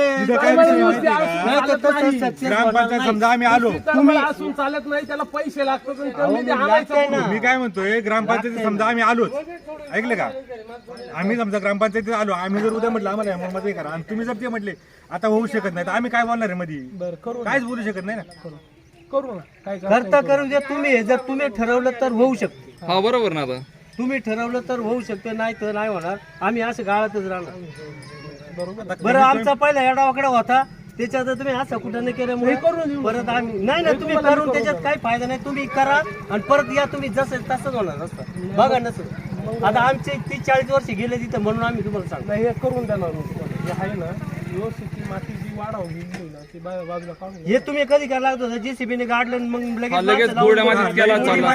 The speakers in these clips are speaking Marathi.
ग्रामपंचायत समजा आम्ही आलो, तुम्ही असून चालत नाही, त्याला पैसे लागतात. मी काय म्हणतोय, ग्रामपंचायतीत समजा आम्ही आलोच, ऐकलं का? आम्ही समजा ग्रामपंचायतीत आलो, आम्ही जर उद्या म्हटलं आम्हाला मध्ये करा आणि तुम्ही जर ते म्हटले आता होऊ शकत नाही, तर आम्ही काय बोलणार आहे मध्ये? काहीच बोलू शकत नाही ना. करू ना, काय करता करून द्या तुम्ही. जर तुम्ही ठरवलं तर होऊ शकते. हा बरोबर ना. आता तुम्ही ठरवलं तर होऊ शकते, नाही तर नाही होणार. आम्ही असं गाळातच राहणार. बरं आमचा पहिला एडावाकडा होता, त्याच्यात तुम्ही असं कुठं नाही केल्यामुळे परत आम्ही नाही ना. तुम्ही करून त्याच्यात काही फायदा नाही. तुम्ही करा आणि परत या. तुम्ही जसं तसंच होणार असतं. बघा नसं आता आमचे 30-40 वर्ष गेले तिथं, म्हणून आम्ही तुम्हाला सांगतो हे करून देणार. हे आहे ना व्यवस्थित ती माती जी वाढवली ना ती बाजूला काढून. हे तुम्ही कधी करायला लागतो? जेसीबीने गाडलं मग लगेच गोड्या मातीत केला चालला.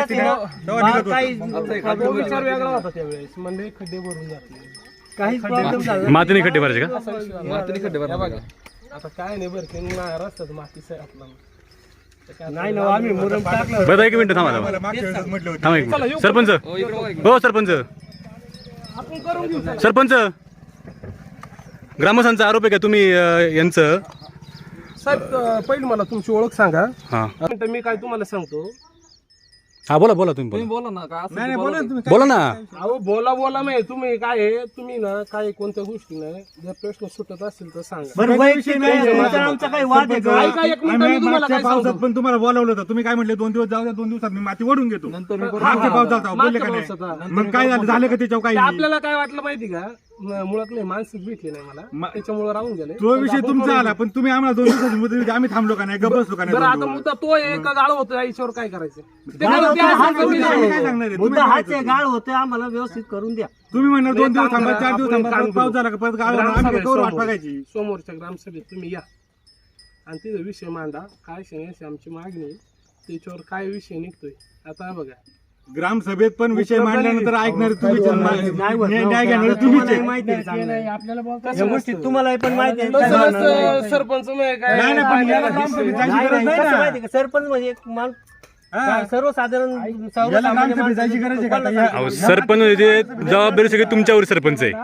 विचार वेगळा होता त्यावेळेस, म्हणजे खड्डे भरून जाते, काहीच प्रॉब्लेम झाला. मातीने खड्डे भरायचे का? मातीने खड्डे भरले. आता काय नाही बरं की रस्त्यात मातीच आहे आपला. नाही ना आम्ही मुरम टाकलं. बरं एक मिनिट थांबा मला मागच्या वेळेस म्हटलं होतं. थांबा एक मिनिट. सरपंच हो सरपंच आपण करून घेऊ. सरपंच ग्रामस्थांचा आरोप आहे का तुम्ही यांचं? साहेब पहिली मला तुमची ओळख सांगा. हा मी काय तुम्हाला सांगतो. हा बोला बोला तुम्ही बोला ना काय नाही नाही, बोला ना तुम्ही. बोला ना. अहो बोला नाही तुम्ही काय आहे, तुम्ही ना काय कोणत्या गोष्टी नाही जर प्रश्न सुटत असेल तर सांगा. बरं वैयक्तिक नाही, तुमचा आमचा काही वाद आहे का? ऐका एक मिनिट, आम्ही मी तुम्हाला मागच्या काय सांगतो. पावसात पण तुम्हाला बोलावलं होतं, तुम्ही काय म्हटले 2 दिवस जाऊ द्या, 2 दिवसात मी माती ओढून घेतो. मागच्या पावसात बोलले का नाही? मग काय झालं का त्याच्यावर काही? ते आपल्याला काय वाटलं माहिती का, मुळात नाही मानसिक भेटली नाही मला, त्याच्यामुळे राहून गेले. तो विषय तुमचा आला, पण तुम्ही आम्हाला 2 दिवसाची मुदत दिली, आम्ही थांबलो का नाही? गप्प बसलो का बरं आता नाही? मुद्दा तो एक गाळ होतो, याच्यावर काय करायचं? ते गाळ काय होतं, असं हा कमी मुद्दा नाही. काय सांगणार आहे? मुद्दा हाच आहे. गाळ होतोय, आम्हाला व्यवस्थित करून द्या. तुम्ही म्हणणार 2 दिवस थांबा, 4 दिवस आपण थांबा, काम परत पाऊस करू. झाला का परत गाळ होणार, आम्ही ग्रामसभेत कवर वाट समोर. बघायची. समोरच्या ग्रामसभेत तुम्ही या आणि तिथं विषय मांडा, काय अशी आमची मागणी आहे, त्याच्यावर काय विषय निघतोय. आता बघा ग्रामसभेत पण विषय मांडल्यानंतर ऐकणार तुम्हीच, नाही होत. न्याय घेणार तुम्हीच तुम्हाला आहे. माहिती आहे चांगलं. आपल्याला या गोष्टी तुम्हाला पण माहिती आहे. तसं नसतं, सरपंच नाही काय नाही नाही, पण याला ग्रामसभेत जायची नाही, गरज नाही, नाही कसं ना. माहिती आहे का? सरपंच म्हणजे एक मान हा. सर्वसाधारण याला ग्रामसभेत जायची गरज आहे का आता? अहो, सरपंच म्हणजे जबाबदारी सगळी तुमच्यावर सरपंच आहे.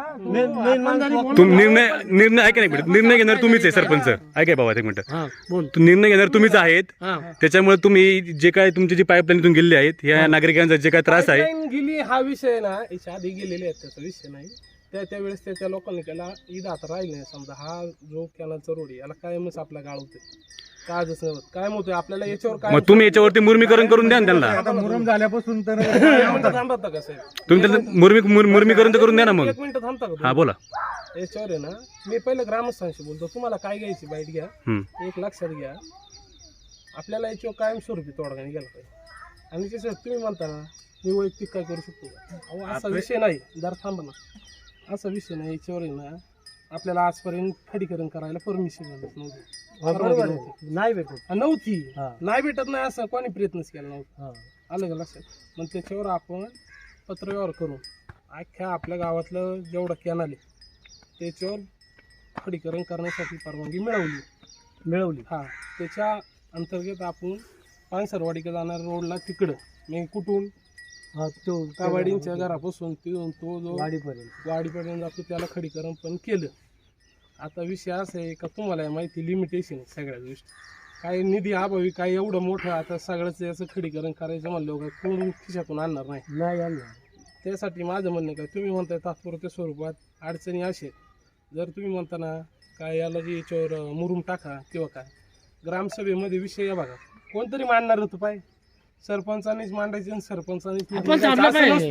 निर्णय ऐका नाही मिनिट. निर्णय घेणार तुम्हीच आहे सरपंच. ऐकाय बाबा एक मिनिट. निर्णय घेणार तुम्हीच आहेत. त्याच्यामुळे तुम्ही जे काय तुमची जी पाईपलाईन इथून गेलेली आहेत, या नागरिकांचा जे काय त्रास आहे, Pipeline गेली हा विषय ना, याच्या आधी गेलेले आहेत, त्याचा विषय नाही. त्यावेळेस त्या लोकांनी केला ईद आता राहील नाही. समजा हा जो कॅनलचा रोड आहे, याला कायमच आपला गाळ होतोय, काजच नव्हत काय होतोय आपल्याला याच्यावर काय. मग तुम्ही याच्यावरती मुर्मीकरण करून द्या ना त्यांना. आता मुरम झाल्यापासून तर एक मिनिटं थांबता का साहेब? तुम्ही त्यांना मुर्मीकरण तर करून द्या ना मग. एक मिनिट थांबता का? हा बोला. याच्यावर आहे ना, मी पहिलं ग्रामस्थांशी बोलतो. तुम्हाला काय घ्यायची बाईट घ्या, एक लक्षात घ्या, आपल्याला याच्यावर कायमस्वरूपी तोडगा निघाला पाहिजे. आणि तसं तुम्ही म्हणता ना मी वैयक्तिक काय करू शकतो का? अहो असा विषय नाही. जरा थांबा ना, असा विषय नाही. याच्यावर आहे ना आपल्याला आजपर्यंत खडीकरण करायला परमिशन नव्हती. नाही भेटत. नव्हती हा. नाही भेटत नाही असं कोणी प्रयत्नच केला नव्हता. आलं का लक्षात? मग त्याच्यावर आपण पत्रव्यवहार करून अख्ख्या आपल्या गावातलं जेवढं कॅनल आहे त्याच्यावर खडीकरण करण्यासाठी परवानगी मिळवली. हा, त्याच्या अंतर्गत आपण पानसरवाडीकडे जाणार रोडला तिकडं मी कुठून कावाडींच्या घरापासून तो जो वाडीपर्यंत जातो त्याला खडीकरण पण केलं. आता विषय असा आहे का तुम्हाला माहिती लिमिटेशन आहे सगळ्या गोष्टी. काही निधी अभावी काही एवढं मोठं आता सगळ्याच याचं खडीकरण करायचं म्हणलं का कोण खिशातून आणणार नाही. त्यासाठी माझं म्हणणं काय, तुम्ही म्हणताय तात्पुरत्या स्वरूपात अडचणी असेल, जर तुम्ही म्हणता ना काय याला जे याच्यावर मुरुम टाका किंवा काय, ग्रामसभेमध्ये विषय या बघा कोणतरी मांडणार होतं पाय, सरपंचानीच मांडायचे आणि सरपंचानीच नसतो विषय. आपण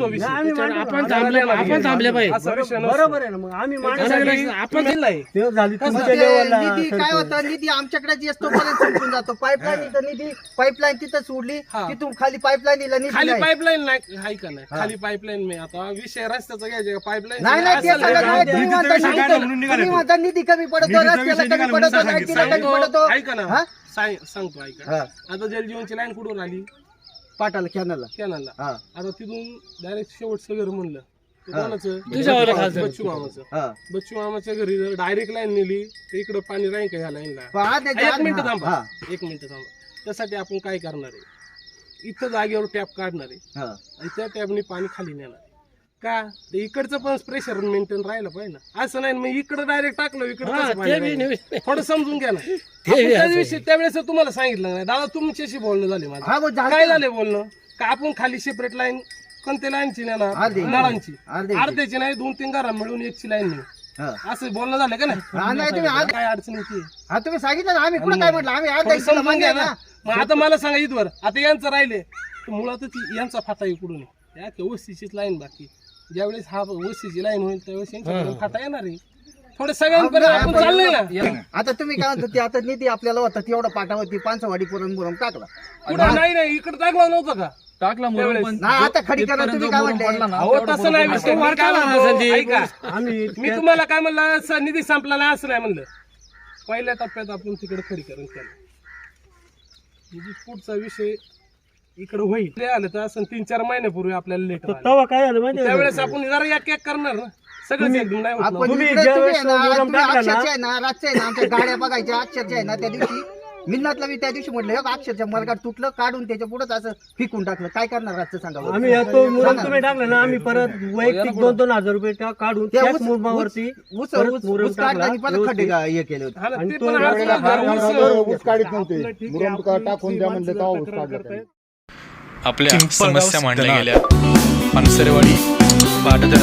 थांबले पाहिजे. असा विषय नसतो. बरोबर आहे ना. मग आम्ही आपण दिलाय. निधी काय होतं, निधी आमच्याकडे जी असतो पर्यंत संपून जातो. पाईपलाईन निधी पाईपलाईन तिथं सोडली, तिथून खाली पाईपलाईनला निधी खाली नाही. पाईपलाईन नाही आहे का नाही, खाली पाईपलाईन मी आता विषय रस्त्याचा घ्यायचा पाईपलाईन नाही नाही, ते सांगत नाही. तुम्ही म्हणता तुम्ही म्हणता निधी कमी पडतो, रस्त्याला कमी पडतो, लाईटीला कमी पडतो. ऐका ना, सांगतो ऐका. आता जलजीवनची लाईन कुठून आली? पाटाला कॅनलला. कॅनलला. हा. आता तिथून डायरेक्ट शेवटचं घर म्हणलं तर कोणाचं? बच्चू मामाचं. बच्चू मामाच्या घरी जर डायरेक्ट लाईन नेली तर इकडं पाणी राहील का ह्या लाईनला? एक मिनिट थांबा. त्यासाठी आपण काय करणार आहे, इथं जागेवर टॅप काढणार आहे आणि त्या टॅपने पाणी खाली नेणार आहे. का ते इकडचं पण प्रेशर मेंटेन राहिलं पाहिजे ना, असं नाही मग इकडं डायरेक्ट टाकलं इकडं थोडं समजून घ्या ना. त्यावेळेस तुम्हाला सांगितलं नाही दादा, तुमच्याशी बोलणं झाले माझं. हा, मग काय झालंय बोलणं का आपण खाली सेपरेट लाईन कोणत्या लाईनची नाही ना, नळांची अर्ध्याची नाही 2-3 घरा मिळून एकची लाईन नाही, असं बोलणं झालं का नाही? काय अडचण होती तुम्ही सांगितलं ना, आम्ही कुठं काय म्हटलं, आम्ही आज समजून घ्या ना. मग आता मला सांगा इथवर आता यांचं राहिले मुळातच यांचा फाटा इकडून आहे, या वस्तीचीच लाईन बाकी. ज्यावेळेस हा वस्तीची लाईन होईल त्यावेळेस यांच्याकडून फाटा येणार आहे. थोडं सगळ्यांपर्यंत आपण चाललंय ना. आता तुम्ही काय म्हणतो, आता निधी आपल्याला होता तेवढा पाठावरती पानसवाडी पुरण टाकला. कुठं नाही इकडे टाकला नव्हता का? टाकला म्हणून नाही, आता खडी करा तुम्ही काय म्हटलं. अहो तसं नाही विषय. मी काय म्हणतो, ऐका, मी तुम्हाला काय म्हणलं, निधी संपला नाही असं नाही म्हणलं. पहिल्या टप्प्यात आपण तिकडे खडीकरण केलं, म्हणजे पुढचा विषय इकडे होईल. ते आलं तर असं 3-4 महिन्यापूर्वी आपल्याला लेट तेव्हा काय झालं माहिती त्यावेळेस आपण जरा एक करणार ना, सगळं एकदम नाही होत ना. आपण तुम्ही इकडे ज्यावेळेस तुम्ही आहे ना, मुरुम तुम्ही टाकला ना, अक्षरशः आहे ना, रातच्या आहे ना आमच्या गाड्या बघायच्या, अक्षरशः आहे ना त्या दिवशी मिन्नातला मी त्या दिवशी म्हटलं अक्षरशः मरगाड तुटलं, काढून त्याच्या पुढेच असं फिकून टाकलं. काय करणार रातचं सांगा बरं. आम्ही तो मुरुम तुम्ही टाकला ना, आम्ही परत वैयक्तिक 2-2 हजार रुपये काढून त्या त्याच ऊस- मुरुमावरती ऊस परत मुरुम ऊस काढला आणि परत खड्डे टाकला. हे केले होते. हा ना, आणि ते तो पण एवढा आपलं ऊस काढीत नव्हते, आपलं ठीक आहे, मुरुम आपली टाकून द्या म्हणलं तेव्हा ऊस श्रीमंत काढला. करतायत. आपल्या समस्या मांडल्या गेल्या. पानसरेवाडी